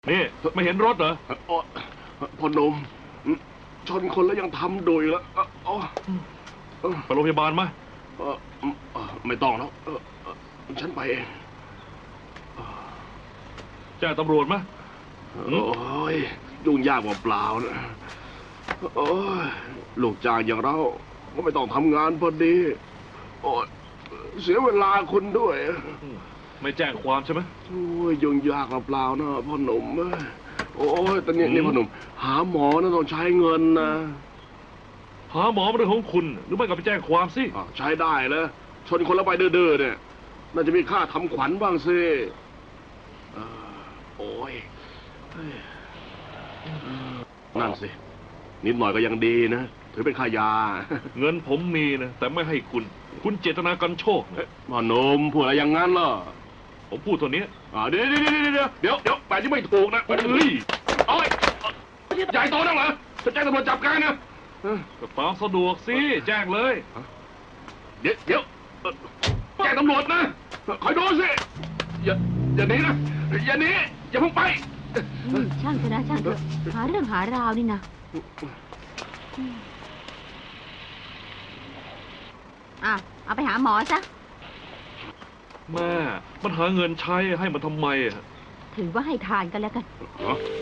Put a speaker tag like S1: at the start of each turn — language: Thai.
S1: นี่ไม่เห็นรถเหรอ
S2: พ่อหนุ่มชนคนแล้วยังทำโดยแล้ว
S1: ไปโรงพยาบาลไหม
S2: ไม่ต้องแล้วฉันไปเอง
S1: แจ้งตำรวจไหม
S2: โอ้ยยุ่งยากเปล่าๆนะโอ้ยลูกจ้างอย่างเราก็ไม่ต้องทำงานพอดีโอ้ยเสียเวลาคุณด้วย
S1: ไม่แจ้งความใช่ไหม
S2: โอ้ยยุ่งยากเปล่าๆนะพ่อหนุ่มโอ้ยตอนนี้พ่อหนุ่มหาหมอนะต้องใช้เงินนะ
S1: หาหมอเป็นเรื่องของคุณหรือไม่ก็ไปแจ้งความสิ
S2: ใช้ได้เลยชนคนแล้วไปเด้อเนี่ยน่าจะมีค่าทำขวัญบ้างสิโอ้ยนั่นสินิดหน่อยก็ยังดีนะถือเป็นค่ายา
S1: เงินผมมีนะแต่ไม่ให้คุณเจตนากันโชค
S2: พ่อหนุ่มพูดอะไรอย่างนั้นเหรอ
S1: ผมพูดตัวนี้
S2: เดี๋ยวแบบนี้ไม่ถูกนะ
S1: เฮ้ย
S2: โอ้ยใหญ่โตนักเหรอจะแจ้งตำรวจจับกันนะ
S1: ก็ตามสะดวกสิแจ้งเลย
S2: เดี๋ยวแจ้งตำรวจนะคอยดูสิอย่าหนีนะอย่าหนีอย่าเพิ่งไป
S3: ช่างเถอะนะช่างเถอะหาเรื่องหาราวนี่นะเอาไปหาหมอซะ
S1: แม่มันหาเงินใช้ให้มันทำไม
S3: ถือว่าให้ทานกันแล้วกัน